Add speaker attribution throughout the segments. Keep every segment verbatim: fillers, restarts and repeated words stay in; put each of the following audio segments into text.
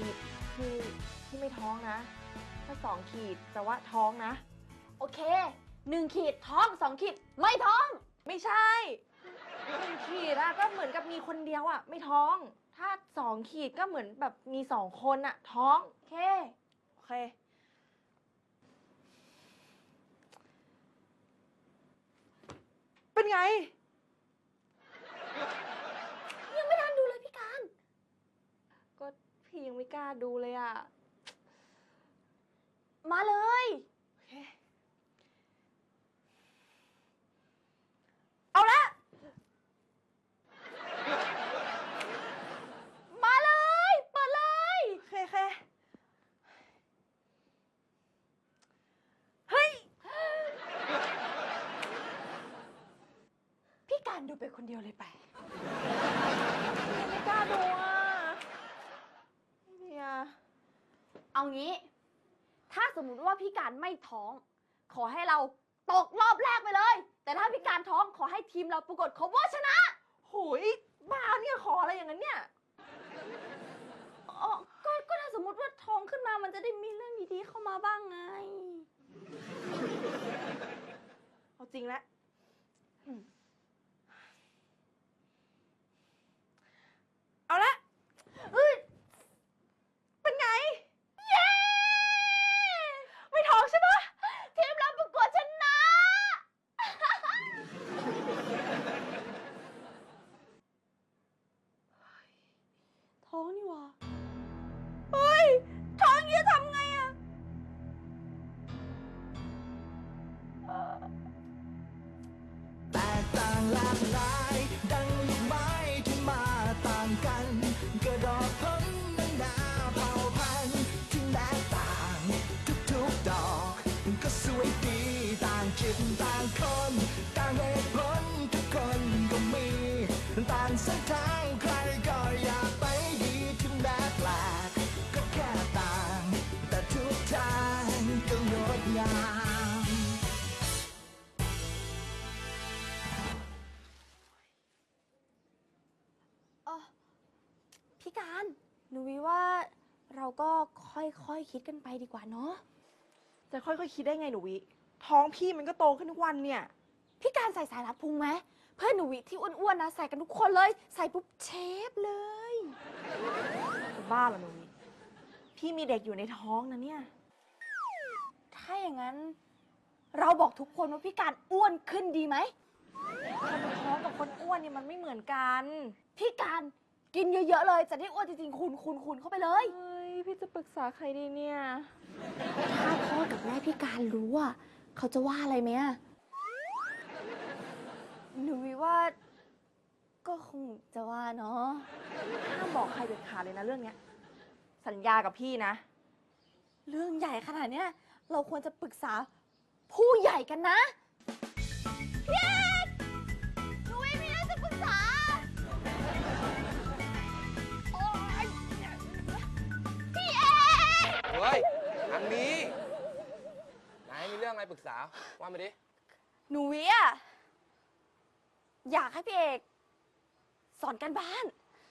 Speaker 1: ดคือที่ไม่ท้องนะถ้าสองขีดแต่ว่าท้องนะ
Speaker 2: โอเคหนึ่งขีดท้องสองขีดไม่ท้อง
Speaker 1: ไม่ใช่หนึ่งขีดอะก็เหมือนกับมีคนเดียวอะไม่ท้อง ถ้าสองขีดก็เหมือนแบบมีสองคนอะท้องโอเคโอเคเป็นไง
Speaker 2: ยังไม่ทันดูเลยพี่การ
Speaker 1: ก็พี่ยังไม่กล้าดูเลยอะ
Speaker 2: มาเลย
Speaker 1: โอเคเอาละ
Speaker 2: มาเลยเปิดเลย
Speaker 1: โอเคโอเคเฮ้ย
Speaker 2: พี่การดูไปคนเดียวเลยไป
Speaker 1: ไม่กล้าดูอ่ะเนี่ย
Speaker 2: เอางี้ถ้าสมมุติว่าพี่การไม่ท้อง ขอให้เราตกรอบแรกไปเลย แต่ถ้าพี่การท้องขอให้ทีมเราปรากฏครบว่าชนะ
Speaker 1: โหยบ้าเนี่ยขออะไรอย่างนั้นเนี่ย
Speaker 2: อ๋อก็ก็ถ้าสมมุติว่าท้องขึ้นมามันจะได้มีเรื่องดีๆเข้ามาบ้างไง
Speaker 1: เอาจริงแล้วเอาละเอ้ยเป็นไง
Speaker 2: เย้
Speaker 1: ไม่ท้องใช่ปะ
Speaker 2: ทีมเราประกวดชนะ ท้องนี่หว่าเฮ้ยท้องจะทำไงอะ
Speaker 3: แตกต่างหลากหลายดังลูกไม้ที่มาต่างกันกระดอกพ้นนาเผ่าพันธุ์ที่แตกต่างทุกๆดอกก็สวยดีต่างจิตต่างคนต่างเหตุผลทุกคนก็มีต่างเส้นทางใครก็อยากไปดีถึงแม้แปลกก็แค่ต่างแต่ทุกทางก็งดงาม
Speaker 2: เออพี่การหนูวิว่าเราก็ค่อยๆ คคิดกันไปดีกว่าเนาะ
Speaker 1: จะค่อยๆคิดได้ไงหนูวิ ท้องพี่มันก็โตขึ้นทุกวันเนี่ย
Speaker 2: พี่การใส่สายรัดพุงไหมเพื่อนหนูวิที่อ้วนๆนะใส่กันทุกคนเลยใส่ปุ๊บเชฟเลย
Speaker 1: จะบ้าเหรอหนูวิ พี่มีเด็กอยู่ในท้องนะเนี่ย
Speaker 2: ถ้าอย่างนั้น เราบอกทุกคนว่าพี่การอ้วนขึ้นดีไหม
Speaker 1: คนท้องกับคนอ้วนเนี่ยมันไม่เหมือนกัน
Speaker 2: พี่การกินเยอะๆเลยจะได้อ้วนจริงๆ คุณคุณคุณเข้าไปเลย
Speaker 1: เฮ้ย พี่จะปรึกษาใครดีเนี่ย
Speaker 2: ถ้าพ่อกับแม่พี่การรู้อ่ะเขาจะว่าอะไรไหมอะหนูวิว่า ก็คงจะว่าเนาะ
Speaker 1: ห้ามบอกใครเด็ดขาดเลยนะเรื่องเนี้ย สัญญากับพี่นะ
Speaker 2: เรื่องใหญ่ขนาดเนี้ยเราควรจะปรึกษาผู้ใหญ่กันนะพี่เอกหนูวิมีเรื่องจะปรึกษาโอ๊ยพี่เอก
Speaker 4: เฮ้ยทางนี้นายมีเรื่องอะไรปรึกษา ว่ามาดิ
Speaker 2: หนูวิอะอยากให้พี่เอกสอนการบ้าน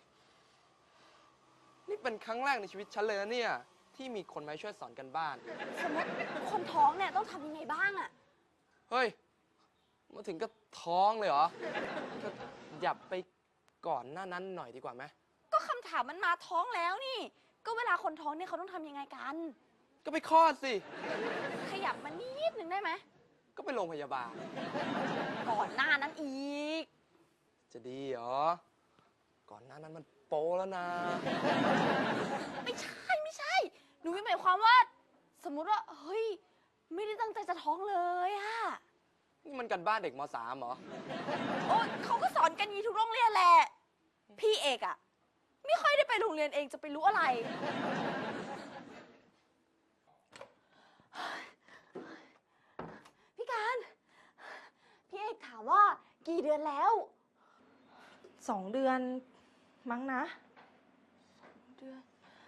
Speaker 4: นี่เป็นครั้งแรกในชีวิตฉันเลยนะเนี่ย ที่มีคนมาช่วยสอนกันบ้าน
Speaker 2: สมมติคนท้องเนี่ยต้องทำยังไงบ้างอะ
Speaker 4: เฮ้ย มาถึงก็ท้องเลยเหรอก็อย่าไปก่อนหน้านั้นหน่อยดีกว่าไหม
Speaker 2: ก็คำถามมันมาท้องแล้วนี่ ก็เวลาคนท้องเนี่ยเขาต้องทำยังไงกัน
Speaker 4: ก็ไปคลอดสิ
Speaker 2: ขยับมานิดนึงได้ไหม
Speaker 4: ก็ไปโรงพยาบาล
Speaker 2: ก่อนหน้านั้นอีก
Speaker 4: จะดีเหรอ ก่อนหน้านั้นมันโป๊แล้วนะ
Speaker 2: ไม่ใช่ไม่ใช่ หนูหมายความว่า สมมุติว่า เฮ้ย ไม่ได้ตั้งใจจะท้องเลยอะ
Speaker 4: นี่มันกันบ้านเด็กม.สาม เหรอ
Speaker 2: โอ้ยเขาก็สอนกันอย่างนี้ทุกโรงเรียนแหละ พี่เอกอะไม่ค่อยได้ไปโรงเรียนเองจะไปรู้อะไร พี่การ พี่เอกถามว่ากี่เดือนแล้ว
Speaker 1: สองเดือนมั้งนะ
Speaker 2: เดือน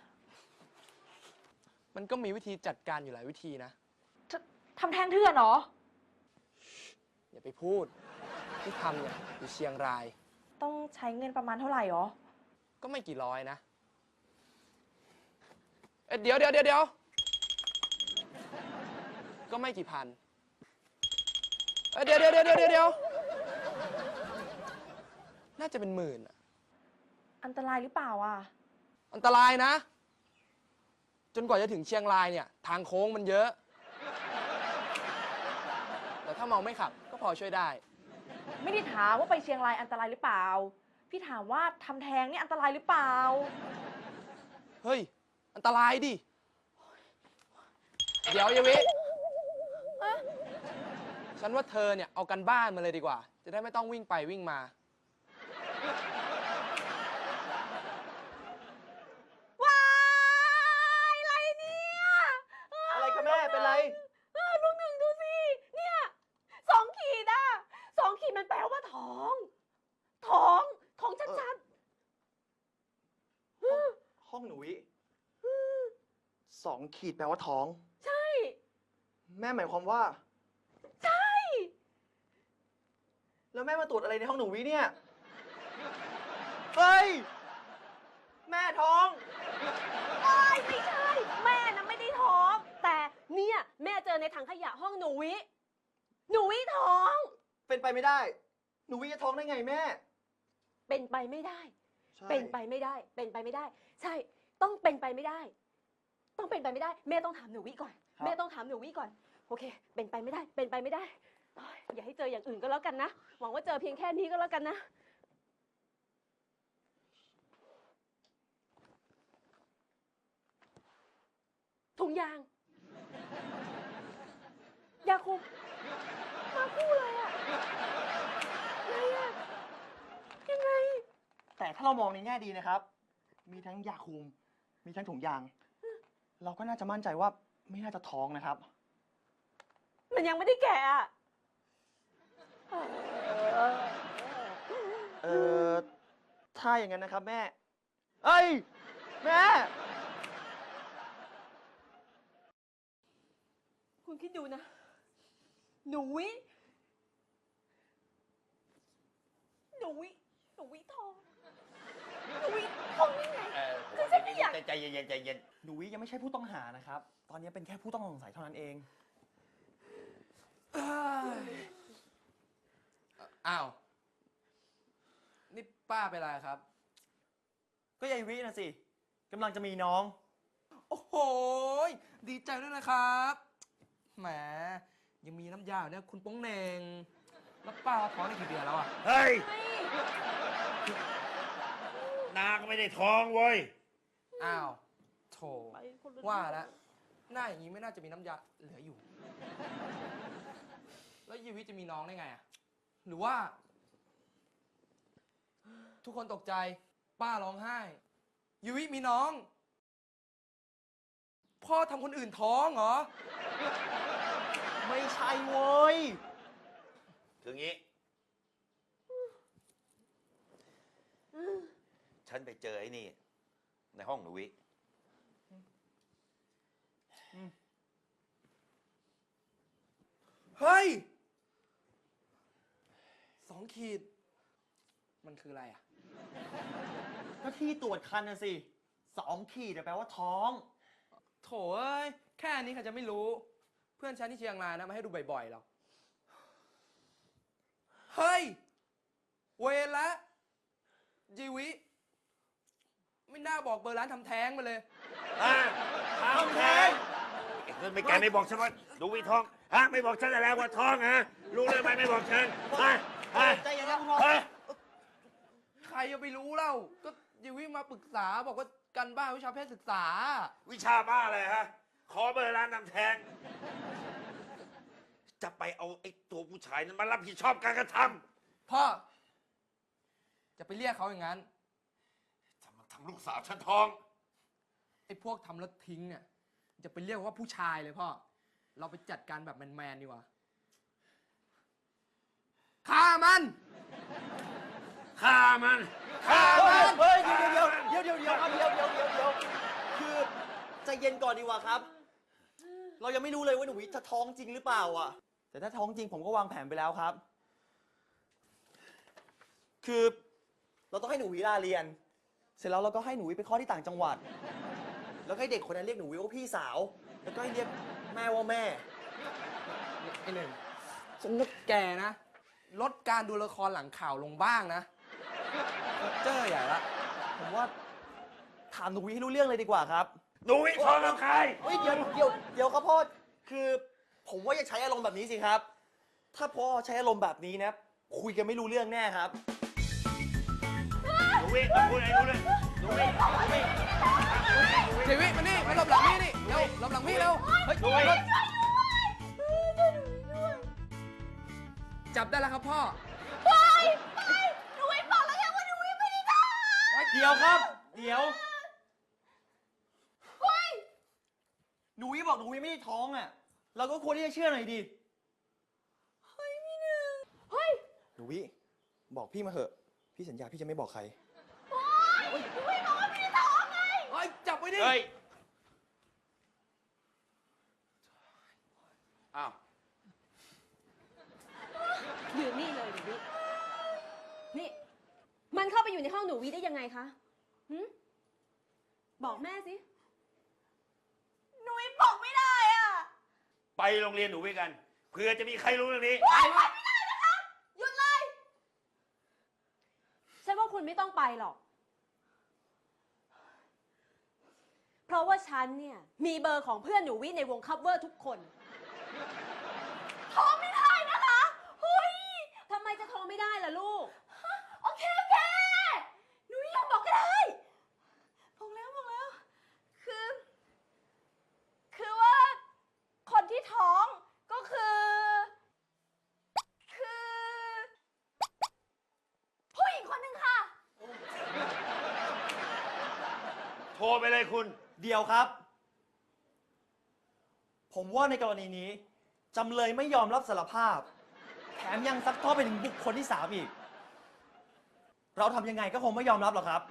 Speaker 4: มันก็มีวิธีจัดการอยู่หลายวิธีนะ
Speaker 1: ททำแท้งเถื่อนเหรอ
Speaker 4: อย่าไปพูด ที่ทำเนี่ยอยู่เชียงราย
Speaker 1: ต้องใช้เงินประมาณเท่าไหร่หรอ
Speaker 4: ก็ไม่กี่ร้อยนะเอ้ยเดี๋ยวเดี๋ยวเดี๋ยวเดี๋ยวก็ไม่กี่พันเอ้ยเดี๋ยวเดี๋ยวเดี๋ยวเดี๋ยวเดี๋ยวน่าจะเป็นหมื่นอะ
Speaker 1: อันตรายหรือเปล่าอ่ะ
Speaker 4: อันตรายนะ จนกว่าจะถึงเชียงรายเนี่ย ทางโค้งมันเยอะ แต่ถ้าเมาไม่ขับก็พอช่วยได้
Speaker 1: ไม่ได้ถามว่าไปเชียงรายอันตรายหรือเปล่า พี่ถามว่าทำแท้งนี่อันตรายหรือเปล่า
Speaker 4: เฮ้ย อันตรายดิ เดี๋ยวเยาวิฉันว่าเธอเนี่ยเอากันบ้านมาเลยดีกว่า จะได้ไม่ต้องวิ่งไปวิ่งมา
Speaker 2: ว้ายอะไรเนี่ย
Speaker 5: อะไรคะแม่เป็นไร
Speaker 2: เออลูกหนึ่งดูสิ เนี่ยสองขีดอะสองขีดมันแปลว่าท้อง ท้อง ท้องชัด
Speaker 5: ห้องหนูวิสองขีดแปลว่าท้อง
Speaker 2: ๆ ใช่
Speaker 5: แม่หมายความว่า
Speaker 2: ใช่
Speaker 5: แล้วแม่มาตรวจอะไรในห้องหนูวิเนี่ย เฮ้ย แม่ท้อง
Speaker 2: ไม่ไม่ใช่ แม่นะไม่ได้ท้อง แต่เนี่ยแม่เจอในถังขยะห้องหนูวิ หนูวิท้อง
Speaker 5: เป็นไปไม่ได้ หนูวิจะท้องได้ไงแม่
Speaker 2: เป็นไปไม่ได้
Speaker 5: ใช่
Speaker 2: เป็นไปไม่ได้ เป็นไปไม่ได้ ใช่ ต้องเป็นไปไม่ได้ ต้องเป็นไปไม่ได้ แม่ต้องถามหนูวิก่อน แม่ต้องถามหนูวิก่อน โอเค เป็นไปไม่ได้ เป็นไปไม่ได้โอ๊ยอย่าให้เจออย่างอื่นก็แล้วกันนะ หวังว่าเจอเพียงแค่นี้ก็แล้วกันนะ ถุงยาง ยาคุม มาคู่เลยอะไงอะยังไง
Speaker 5: แต่ถ้าเรามองในแง่ดีนะครับ มีทั้งยาคุม มีทั้งถุงยาง เราก็น่าจะมั่นใจว่าไม่น่าจะท้องนะครับ
Speaker 2: มันยังไม่ได้แก่อะ
Speaker 5: เออถ้าอย่างนั้นนะครับแม่ เอ้ย แม่
Speaker 2: คุณคิดดูนะ หนูวิ หนูวิ หนูวิทอง หนูวิทองได้ไง
Speaker 6: เออผม
Speaker 2: คือ
Speaker 6: ว่า
Speaker 2: ฉันไม่อยาก
Speaker 6: ใจเย็นๆใจเย็น
Speaker 5: หนูวิยังไม่ใช่ผู้ต้องหานะครับ ตอนนี้เป็นแค่ผู้ต้องสงสัยเท่านั้นเอง
Speaker 4: อ้าว นี่ป้าเป็นไรครับ
Speaker 5: ก็ยายวินะสิกำลังจะมีน้อง
Speaker 4: โอ้โห ดีใจด้วยนะครับ แหม ยังมีน้ำยาเนี่ยคุณโป้งเหน่ง แล้วป้าท้องได้กี่เดือนแล้วอ่ะ
Speaker 6: ๆเฮ้ย
Speaker 2: ไม่
Speaker 6: นาก็ไม่ได้ท้องเว้ย
Speaker 4: อ้าว โถ
Speaker 2: ไปคนละ
Speaker 4: ว่าแล้ว หน้าอย่างนี้ไม่น่าจะมีน้ำยาเหลืออยู่ แล้วยีวิจะมีน้องได้ไงอ่ะ หรือว่า ทุกคนตกใจ ป้าร้องไห้ยีวิมีน้อง พ่อทำคนอื่นท้องเหรอ
Speaker 5: ไม่ใช่เว้ย
Speaker 6: คืองี้ ฉันไปเจอไอ้นี่ ในห้องหนูวิ
Speaker 4: เฮ้ย สองขีด มันคืออะไรอ่ะ
Speaker 5: ก็ที่ตรวจคันนะสิสองขีดแปลว่าท้อง
Speaker 4: โถเอ้ย แค่นี้ใครจะไม่รู้ เพื่อนฉันที่เชียงรายนะมาให้ดูบ่อยๆหรอก เฮ้ย เวรละยีวิ ไม่น่าบอกเบอร์ร้านทำแท้งมาเลย
Speaker 6: อ่ะทำแท้งไอ้คนไม่แกไม่บอกฉันว่าหนูวิท้อง ฮะ ไม่บอกฉันแล้วว่าท้องฮะ รู้เลยไหมไม่บอกฉันฮะฮะ
Speaker 5: ใจเย็นนะคุณพ่อ
Speaker 6: ฮะ
Speaker 4: ใครจะไปรู้เล่า ก็ยีวิมาปรึกษาบอกว่ากันบ้านวิชาเพศศึกษา
Speaker 6: วิชาบ้าอะไรฮะ ขอเบอร์ร้านนำแทง จะไปเอาไอ้ตัวผู้ชายนั้นมารับผิดชอบการกระท
Speaker 4: พ่อ จะไปเรียกเขาอย่างนั้น
Speaker 6: ำจะมาทำลูกสาวฉันท้อง
Speaker 4: ไอ้พวกทำแล้วทิ้งเนี่ย จะไปเรียกว่าผู้ชายเลยพ่อ เราไปจัดการแบบแมนๆดีกว่าฆ่ามัน
Speaker 6: ฆ่ามัน ฆ่า
Speaker 5: เฮ้
Speaker 6: มั
Speaker 5: ย
Speaker 6: น
Speaker 5: เฮ้ยเดี๋ยวเดี๋ยวเดี๋ยวเดี๋ยวครับเดี๋ยวเดี๋ยวเดี๋ยวเดี๋ยวคือใจเย็นก่อนดีกว่าครับ เรายังไม่รู้เลยว่าหนูวิจะท้องจริงหรือเปล่าอ่ะ แต่ถ้าท้องจริงผมก็วางแผนไปแล้วครับ คือเราต้องให้หนูวิลาเรียน เสร็จแล้วเราก็ให้หนูวิไปคลอดที่ต่างจังหวัดแล้วก็ให้เด็กคนนั้นเรียกหนูวิว่าพี่สาว แล้วก็ให้เรียกแม่ว่าแม่
Speaker 4: ไอ้หนึ่งฉันนึกแกนะ ลดการดูละครหลังข่าวลงบ้างนะเจ้อใหญ่ละ
Speaker 5: ผมว่าถามหนูวิให้รู้เรื่องเลยดีกว่าครับ
Speaker 6: หนูวิท้องกับใคร
Speaker 5: เฮ้ยเดี๋ยวเดี๋ยวเดี๋ยวครับพ่อ คือผมว่าอย่าใช้อารมณ์แบบนี้สิครับ ถ้าพ่อใช้อารมณ์แบบนี้นะ คุยกันไม่รู้เรื่องแน่ครับ
Speaker 6: หนูวิต้องพูดอะไรรู้เลยหนูวิหนูวิ
Speaker 4: เจวิมานี่มาหลบหลังพี่นี่เร็วหลบหลังพี่เร็ว เฮ้ย
Speaker 6: หนูวิ
Speaker 4: จับได้แล้วครับพ่อ
Speaker 2: หนูวิบอกแล้วไงว่าหนูวิไม่ได้ท
Speaker 5: เดี๋ยวครับ เดี๋ยวหนูวิบอกหนูวิไม่ได้ท้องอ่ะ เราก็ควรที่จะเชื่อหน่อยดิ
Speaker 2: ำเฮ้ยพี่หนึ่งเฮ้ย
Speaker 5: หนูวิบอกพี่มาเถอะ พี่สัญญาพี่จะไม่บอกใคร
Speaker 2: หนูวิบอกว่าไม่ได้ท้องไง
Speaker 4: เฮ้ย จับไว้ดิ
Speaker 6: เฮ้ย อ้าว
Speaker 2: อยู่นี่เลยหนูวินี่ มันเข้าไปอยู่ในห้องหนูวิได้ยังไงคะหืมบอกแม่สิ หนูวิบอกไม่ได้อ่ะ
Speaker 6: ไปโรงเรียนหนูวิกัน เผื่อจะมีใครรู้เรื่องนี้
Speaker 2: หยุดเลย ฉันว่าคุณไม่ต้องไปหรอก เพราะว่าฉันเนี่ย มีเบอร์ของเพื่อนหนูวิในวงคัฟเวอร์ทุกคนโทรไม่ได้นะคะเฮ้ยทำไมจะโทรไม่ได้ล่ะลูก โอเค โอเค หนูวิยอมบอกก็ได้บอกแล้วบอกแล้ว คือ คือว่า คนที่ท้องก็คือ คือผู้หญิงคนหนึ่งค่ะ
Speaker 6: โทรไปเลยคุณ
Speaker 5: เดียวครับ ผมว่าในกรณีนี้จำเลยไม่ยอมรับสารภาพ แถมยังซักทอดไปถึงบุคคลที่สามอีก เราทำยังไงก็คงไม่ยอมรับหรอกครับ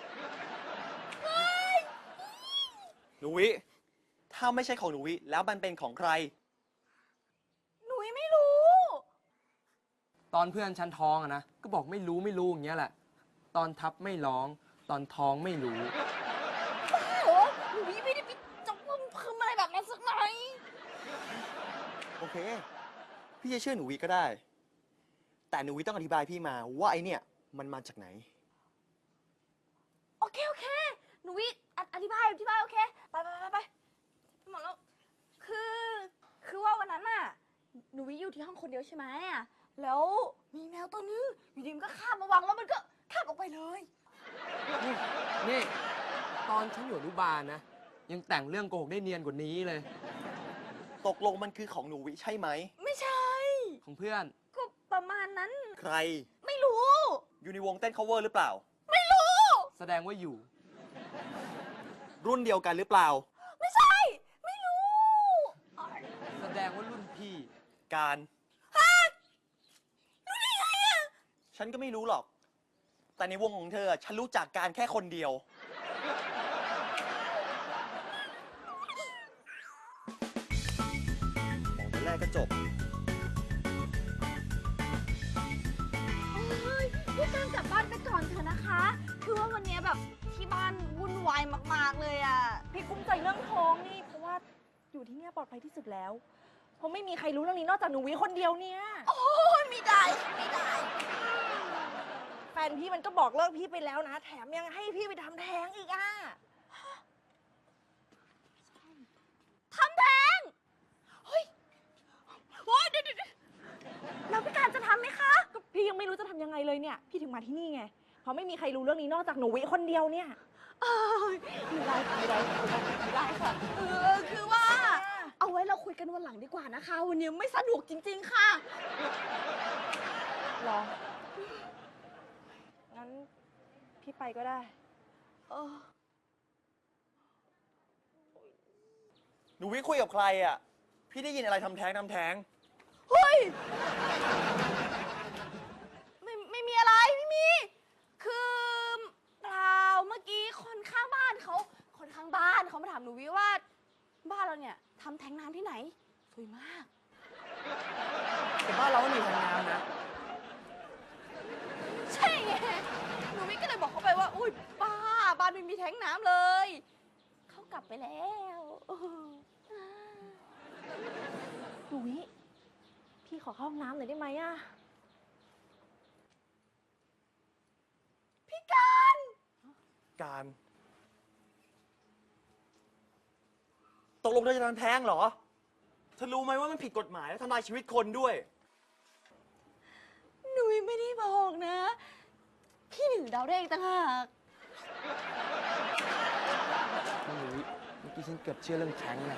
Speaker 5: หนูวิ ถ้าไม่ใช่ของหนูวิ แล้วมันเป็นของใคร
Speaker 2: หนูไม่รู้
Speaker 4: ตอนเพื่อนฉันท้องอะนะ ก็บอกไม่รู้ไม่รู้อย่างเงี้ยแหละ ตอนทับไม่ร้อง ตอนท้องไม่รู้
Speaker 2: โอ้หนูไม่ได้ไปจมพึมอะไรแบบนั้นสักหน่อย
Speaker 5: โอเค พี่จะเชื่อหนูวิก็ได้ แต่หนูวิต้องอธิบายพี่มาว่าไอเนี่ยมันมาจากไหน
Speaker 1: โอเค โอเค หนูวิออธิบายอธิบาย โอเค ไปไปไปไปหมดแล้ว คือ คือว่าวันนั้นน่ะ หนูวิอยู่ที่ห้องคนเดียวใช่ไหมอะแล้วมีแมวตัวนึงอยู่ดีมันก็คาบมาวางแล้วมันก็คาบออกไปเลย
Speaker 4: นี่ ตอนฉันอยู่อนุบาลนะ ยังแต่งเรื่องโกหกได้เนียนกว่านี้เลย
Speaker 5: ตกลงมันคือของหนูวิใช่ไหม
Speaker 1: ไม่ใช่
Speaker 4: ของเพื่อน
Speaker 1: ก็ประมาณนั้น
Speaker 5: ใคร
Speaker 1: ไม่รู้
Speaker 5: อยู่ในวงเต้น cover หรือเปล่า
Speaker 4: แสดงว่าอยู่
Speaker 5: รุ่นเดียวกันหรือเปล่า
Speaker 1: ไม่ใช่ ไม่รู้
Speaker 4: แสดงว่ารุ่นพี่
Speaker 5: การฉันก็ไม่รู้หรอก แต่ในวงของเธอ ฉันรู้จักการแค่คนเดียว บอกแต่แรกก็จบ
Speaker 1: เฮ้ยพี่การกลับบ้านไปก่อนเถอะนะคะ คือว่าวันนี้แบบที่บ้านวุ่นวายมากๆเลยอ่ะ พี่กุ้มใจเรื่องท้องนี่ เพราะว่าอยู่ที่เนี่ยปลอดภัยที่สุดแล้ว เพราะไม่มีใครรู้เรื่องนี้นอกจากหนูวิคนเดียวเนี่ย โอ้ยไม่ได้ไม่ได้ แฟนพี่มันก็บอกเลิกพี่ไปแล้วนะ แถมยังให้พี่ไปทำแท้งอีกอ่ะทำแท้ง เฮ้ยโอ้ยเดี๋ยวเดี๋ยวแล้วพี่การจะทำไหมคะ ก็พี่ยังไม่รู้จะทำยังไงเลยเนี่ย พี่ถึงมาที่นี่ไง เพราะไม่มีใครรู้เรื่องนี้นอกจากหนูวิคนเดียวเนี่ยเอ้ยไม่ได้ค่ะไม่ได้ค่ะไม่ได้ค่ะ เออ คือว่า เอาไว้เราคุยกันวันหลังดีกว่านะคะ วันนี้ไม่สะดวกจริง ๆ ค่ะหรอ งั้นพี่ไปก็ได้ เออ
Speaker 5: หนูวิคุยกับใครอ่ะ พี่ได้ยินอะไรทำแท้งทำแท้ง
Speaker 1: เฮ้ย ไม่ไม่มีอะไร ไม่มี คือเปล่าเมื่อกี้คนข้างบ้านเขา คนข้างบ้านเขามาถามหนูวิว่า บ้านเราเนี่ยทำแท้งน้ำที่ไหน สวยมาก
Speaker 5: แต่บ้านเราไม่มีแท้งน้ำนะ
Speaker 1: ใช่ไง หนูวิก็เลยบอกเขาไปว่า อุ้ยบ้า บ้านไม่มีแท้งน้ำเลย เขากกลับไปแล้วหนูวิพี่ขอเข้าห้องน้ำหน่อยได้ไหมอะพี่การ
Speaker 5: การ ตกลงเธอจะทำแท้งเหรอ เธอรู้ไหมว่ามันผิดกฎหมายและทำลายชีวิตคนด้วย
Speaker 1: หนูวิไม่ได้บอกนะ พี่หนึ่งเดาได้เองต่างหาก
Speaker 4: ไม่รู้เมื่อกี้ฉันเกือบเชื่อเรื่องแท้งนะ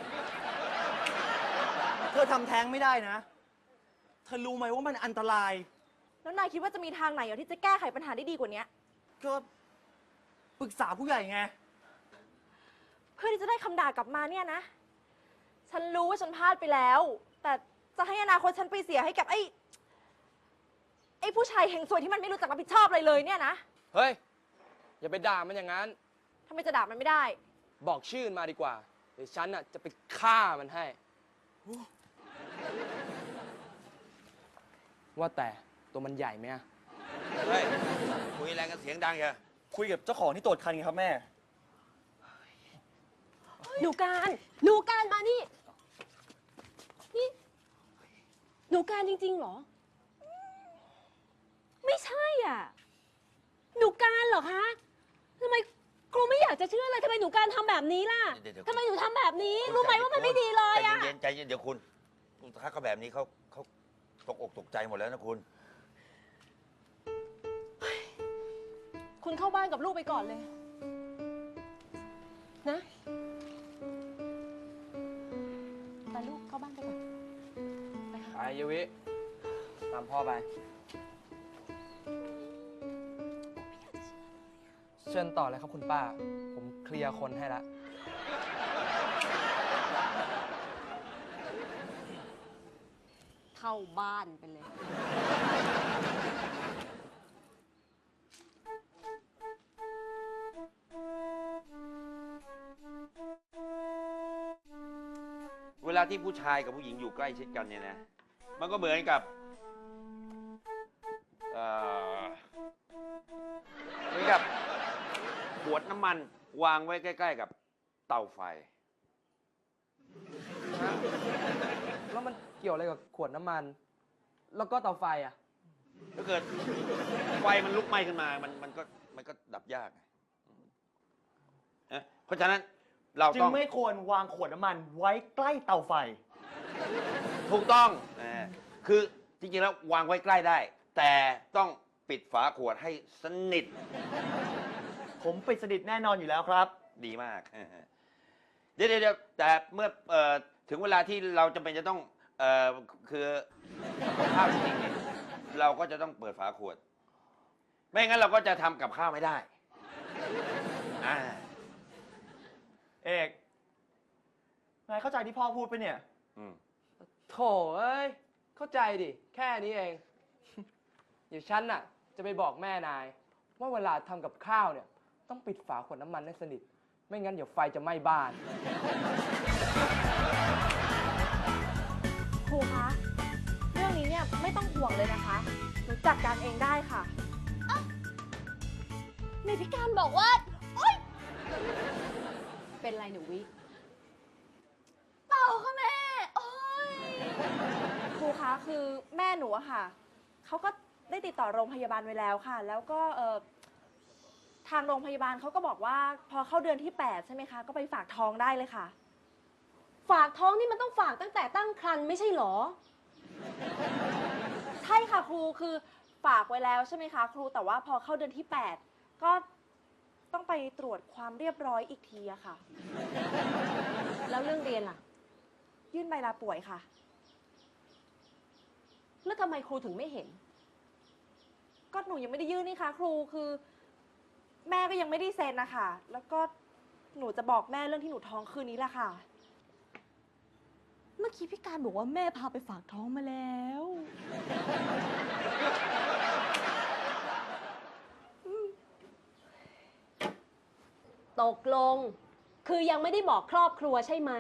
Speaker 5: เธอทำแท้งไม่ได้นะ เธอรู้ไหมว่ามันอันตราย
Speaker 1: แล้วนายคิดว่าจะมีทางไหนเหรอที่จะแก้ไขปัญหาได้ดีกว่านี้
Speaker 5: ก็ปรึกษาผู้ใหญ่ไง
Speaker 1: เพื่อที่จะได้คำด่ากลับมาเนี่ยนะ ฉันรู้ว่าฉันพลาดไปแล้ว แต่จะให้อนาคตฉันไปเสียให้กับไอ้ ไอ้ผู้ชายเฮงซวยที่มันไม่รู้จักรับผิดชอบอะไรเลยเนี่ยนะ
Speaker 4: เฮ้ย อย่าไปด่ามันอย่างนั้น
Speaker 1: ทำไมจะด่ามันไม่ได้
Speaker 4: บอกชื่อมันมาดีกว่า เดี๋ยวฉันน่ะจะไปฆ่ามันให้ ว่าแต่ตัวมันใหญ่ไหมอะ
Speaker 6: เฮ้ย คุยอะไรกันเสียงดังอย่า
Speaker 5: คุยกับเจ้าของที่ตรวจคันไงครับแม่
Speaker 2: หนูการ หนูการมานี่ นี่ หนูการจริงๆเหรอ ไม่ใช่อ่ะ หนูการเหรอคะทำไมครูไม่อยากจะเชื่อเลยทำไมหนูการทำแบบนี้ล่ะ
Speaker 6: เดี๋ยวเดี๋ยว
Speaker 2: ทำไมหนูทำแบบนี้ รู้ไหมว่ามันไม่ดีเลยอ่ะ
Speaker 6: ใจเย็นๆใจเย็นเดี๋ยวคุณถ้าเขาแบบนี้เขาเขาตกอกตกใจหมดแล้วนะคุณ
Speaker 2: คุณเข้าบ้านกับลูกไปก่อนเลย นะไปลูกเข้าบ้านไปก่อน
Speaker 4: ไปเยวิ ตามพ่อไป เชิญต่อเลยครับคุณป้า ผมเคลียร์คนให้ละ
Speaker 2: เข้าบ้านไปเลย
Speaker 6: เวลาที่ผู้ชายกับผู้หญิงอยู่ใกล้ชิดกันเนี่ยนะ มันก็เหมือนกับเอ่อเหมือนกับขวดน้ำมันวางไว้ใกล้ๆกับเตาไฟ
Speaker 4: แล้วมันเกี่ยวอะไรกับขวดน้ำมัน แล้วก็เตาไฟอ่ะ
Speaker 6: ถ้าเกิดไฟมันลุกไหม้ขึ้นมา มันมันก็มันก็ดับยากไงเอ๊ะเพราะฉะนั้นเรา
Speaker 5: จึ
Speaker 6: ต้
Speaker 5: ง
Speaker 6: อง
Speaker 5: ไม่ควรวางขวดน้ำมันไว้ใกล้เตาไฟ
Speaker 6: ถูกต้องเออคือจริงๆแล้ววางไว้ใกล้ได้ แต่ต้องปิดฝาขวดให้สนิท
Speaker 5: ผมปิดสนิทแน่นอนอยู่แล้วครับ
Speaker 6: ดีมากเออเดี๋ยวเดี๋ยวแต่เมื่อเอ่อถึงเวลาที่เราจำเป็นจะต้องเอ่อคือกับข้าวจริงๆเนี่ยเราก็จะต้องเปิดฝาขวด ไม่งั้นเราก็จะทำกับข้าวไม่ได้อ่า
Speaker 5: เอกนายเข้าใจที่พ่อพูดไปะเนี่ย
Speaker 6: อืม
Speaker 4: โถเอ้ย เข้าใจดิ แค่นี้เอง เดี๋ยวฉันน่ะ จะไปบอกแม่นาย ว่าเวลาทำกับข้าวเนี่ย ต้องปิดฝาขวดน้ำมันให้สนิท ไม่งั้นเดี๋ยวไฟจะไหม้บ้าน
Speaker 1: ครูคะ เรื่องนี้เนี่ยไม่ต้องห่วงเลยนะคะ หนูจัดการเองได้ค่ะ
Speaker 2: ในพิการบอกว่า โอ๊ย เป็นไรหนูวิ
Speaker 1: เปล่าค่ะแม่ โอ๊ย ครูคะ คือแม่หนูอะค่ะ เขาก็ได้ติดต่อโรงพยาบาลไว้แล้วค่ะ แล้วก็เอ่อทางโรงพยาบาลเขาก็บอกว่าพอเข้าเดือนที่แปดใช่ไหมคะ ก็ไปฝากท้องได้เลยค่ะ
Speaker 2: ฝากท้องนี่มันต้องฝากตั้งแต่ตั้งครรภ์ไม่ใช่เหรอ
Speaker 1: ใช่ค่ะครู คือฝากไว้แล้วใช่ไหมคะครู แต่ว่าพอเข้าเดือนที่แปดก็ต้องไปตรวจความเรียบร้อยอีกทีอะค่ะ
Speaker 2: แล้วเรื่องเรียนล่ะ
Speaker 1: ยื่นใบลาป่วยค่ะ
Speaker 2: แล้วทำไมครูถึงไม่เห็น
Speaker 1: ก็หนูยังไม่ได้ยื่นนี่คะครู คือแม่ก็ยังไม่ได้เซ็นนะคะ แล้วก็หนูจะบอกแม่เรื่องที่หนูท้องคืนนี้แหละค่ะ
Speaker 2: เมื่อกี้พี่การบอกว่าแม่พาไปฝากท้องมาแล้ว ตกลง คือยังไม่ได้บอกครอบครัวใช่ไหม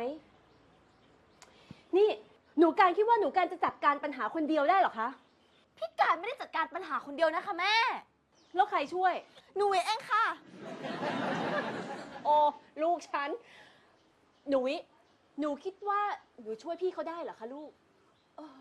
Speaker 2: นี่หนูการคิดว่าหนูการจะจัดการปัญหาคนเดียวได้เหรอคะ
Speaker 1: พี่การไม่ได้จัดการปัญหาคนเดียวนะคะแม่
Speaker 2: แล้วใครช่วย
Speaker 1: หนูเองค่ะ
Speaker 2: โอ้ลูกฉันหนูวิหนูคิดว่าหนูช่วยพี่เขาได้เหรอคะลูกเออ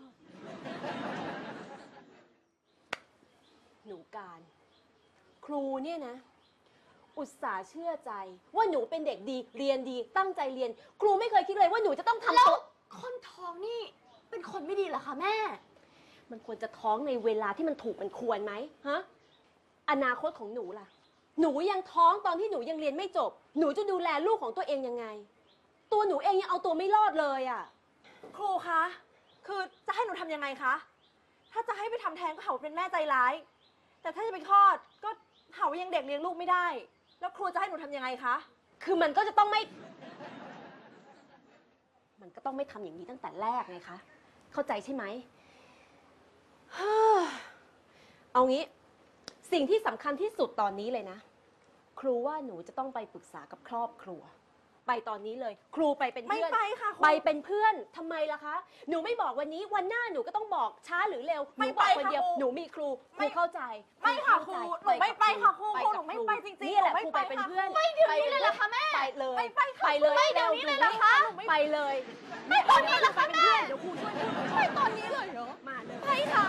Speaker 2: หนูการ ครูเนี่ยนะ อุตส่าห์เชื่อใจว่าหนูเป็นเด็กดีเรียนดีตั้งใจเรียน ครูไม่เคยคิดเลยว่าหนูจะต้องทำตัว
Speaker 1: คนท้องนี่เป็นคนไม่ดีเหรอคะแม่
Speaker 2: มันควรจะท้องในเวลาที่มันถูกมันควรไหมฮะอนาคตของหนูล่ะ หนูยังท้องตอนที่หนูยังเรียนไม่จบ หนูจะดูแลลูกของตัวเองยังไง ตัวหนูเองยังเอาตัวไม่รอดเลยอ่ะ
Speaker 1: ครูคะ คือจะให้หนูทำยังไงคะ ถ้าจะให้ไปทำแท้งก็หาว่าเป็นแม่ใจร้าย แต่ถ้าจะไปคลอดก็หาว่ายังเด็กเลี้ยงลูกไม่ได้ แล้วครูจะให้หนูทำยังไงคะ
Speaker 2: คือมันก็จะต้องไม่ มันก็ต้องไม่ทำอย่างนี้ตั้งแต่แรกไงคะ เข้าใจใช่ไหม เอางี้ สิ่งที่สำคัญที่สุดตอนนี้เลยนะ ครูว่าหนูจะต้องไปปรึกษากับครอบครัว ไปตอนนี้เลย ครูไปเป็น
Speaker 1: ไม่
Speaker 2: เพื่อน
Speaker 1: ไปค่ะครู
Speaker 2: ไปเป็นเพื่อนทำไมล่ะคะ หนูไม่บอกวันนี้ วันหน้าหนูก็ต้องบอกช้าหรือเร็ว ห
Speaker 1: ไม่
Speaker 2: นูบ
Speaker 1: ไป
Speaker 2: อกคน
Speaker 1: ค่ะ
Speaker 2: เดียว
Speaker 1: ครู
Speaker 2: หนูมีครูค
Speaker 1: ไม่
Speaker 2: รูเข้าใจ
Speaker 1: ไม่ค่ะ
Speaker 2: เข้าใจ
Speaker 1: ครูหนูไม่ไปค่ะครู
Speaker 2: ไป
Speaker 1: ครู
Speaker 2: กับ
Speaker 1: หนูไม่ไปจริงๆ
Speaker 2: นี่แหละ
Speaker 1: หนูไม่
Speaker 2: ครู
Speaker 1: ไป
Speaker 2: ไปเป็น
Speaker 1: ค่ะ
Speaker 2: เพื่อน
Speaker 1: ไม่เดี๋ยวนี้เลยเหรอคะแม่
Speaker 2: ไปเลย
Speaker 1: ไม่ไปค่ะ
Speaker 2: ไปเลย
Speaker 1: ไม่เดี๋ยวนี้เลยเหรอคะ
Speaker 2: ไปเลย
Speaker 1: ไม่ตอนนี้เหรอคะแม่
Speaker 2: เดี๋ยวครูช่วยพูด
Speaker 1: ไม่ตอนนี้เลยเหรอ
Speaker 2: มาเลย
Speaker 1: ไปค่ะ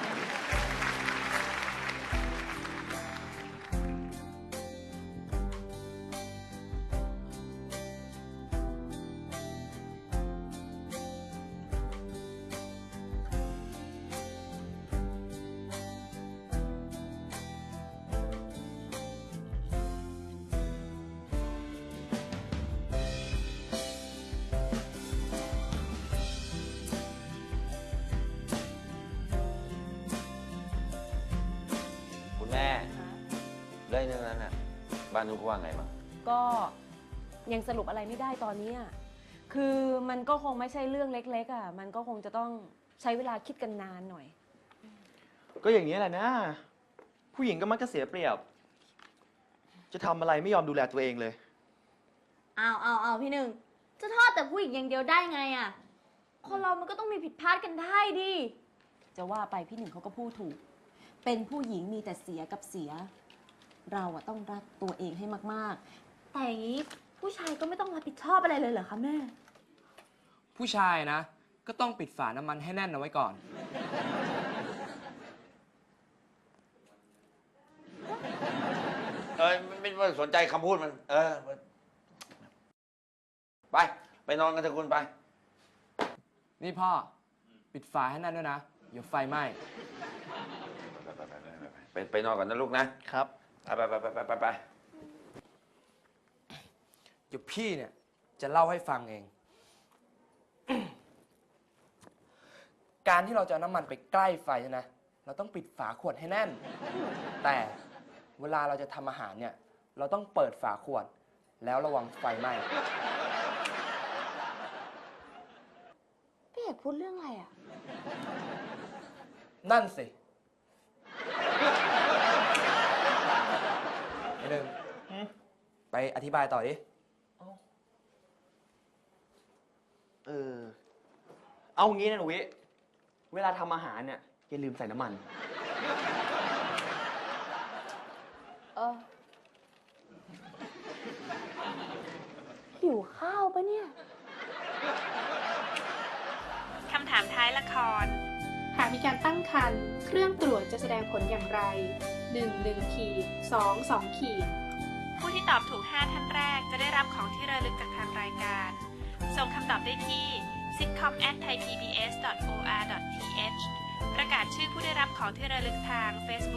Speaker 6: คุณแม่เรื่องนั้นน่ะบ้านนุ๊กว่าไงบ้าง
Speaker 2: ก็ยังสรุปอะไรไม่ได้ตอนนี้อะคือมันก็คงไม่ใช่เรื่องเล็กๆอ่ะ มันก็คงจะต้องใช้เวลาคิดกันนานหน่อย
Speaker 5: ก็อย่างนี้แหละนะ ผู้หญิงก็มักจะเสียเปรียบ จะทำอะไรไม่ยอมดูแลตัวเองเลย
Speaker 1: อ้าวอ้าวอ้าวพี่หนึ่ง จะทอดแต่ผู้หญิงอย่างเดียวได้ไงอะคนเรามันก็ต้องมีผิดพลาดกันได้ดิ
Speaker 2: จะว่าไปพี่หนึ่งเขาก็พูดถูก เป็นผู้หญิงมีแต่เสียกับเสีย เราอะต้องรักตัวเองให้มาก
Speaker 1: แต่อย่างนี้ผู้ชายก็ไม่ต้องรับผิดชอบอะไรเลยเหรอคะแม่
Speaker 4: ผู้ชายนะ ก็ต้องปิดฝาน้ำมันให้แน่นเอาไว้ก่อน
Speaker 6: เออไม่ไม่ไม่สนใจคำพูดมัน เออ ไป ไปนอนกันเถอะคุณไป
Speaker 4: นี่พ่อ ปิดฝาให้แน่นด้วยนะ เดี๋ยวไฟไหม้
Speaker 6: ไปไปไปไปไปไปนอนก่อนนะลูกนะ
Speaker 5: ครับ
Speaker 6: ไปไปไปไปไปไปไป
Speaker 4: เดี๋ยวพี่เนี่ยจะเล่าให้ฟังเอง การที่เราจะเอาน้ำมันไปใกล้ไฟนะ เราต้องปิดฝาขวดให้แน่น แต่เวลาเราจะทำอาหารเนี่ย เราต้องเปิดฝาขวด แล้วระวังไฟไหม้
Speaker 1: พี่เอกพูดเรื่องอะไรอะ
Speaker 4: นั่นสิไอ้หนึ่ง
Speaker 5: หืม
Speaker 4: ไปอธิบายต่อดิ
Speaker 5: เออ เอางี้นะหนูวิ เวลาทำอาหารเนี่ยอย่าลืมใส่น้ำมัน
Speaker 2: ๆ เออ หิวข้าวปะเนี่ย
Speaker 7: คำถามท้ายละคร หากมีการตั้งครรภ์เครื่องตรวจจะแสดงผลอย่างไร หนึ่ง หนึ่ง ขีด สอง สอง ขีด ผู้ที่ตอบถูก ห้า ท่านแรกจะได้รับของที่ระลึกจากทางรายการ ส่งคำตอบได้ที่ ซิทคอม แอท ไทยพีบีเอส ดอท โอ อาร์ ดอท ที เอช ประกาศชื่อผู้ได้รับของที่ระลึกทาง Facebook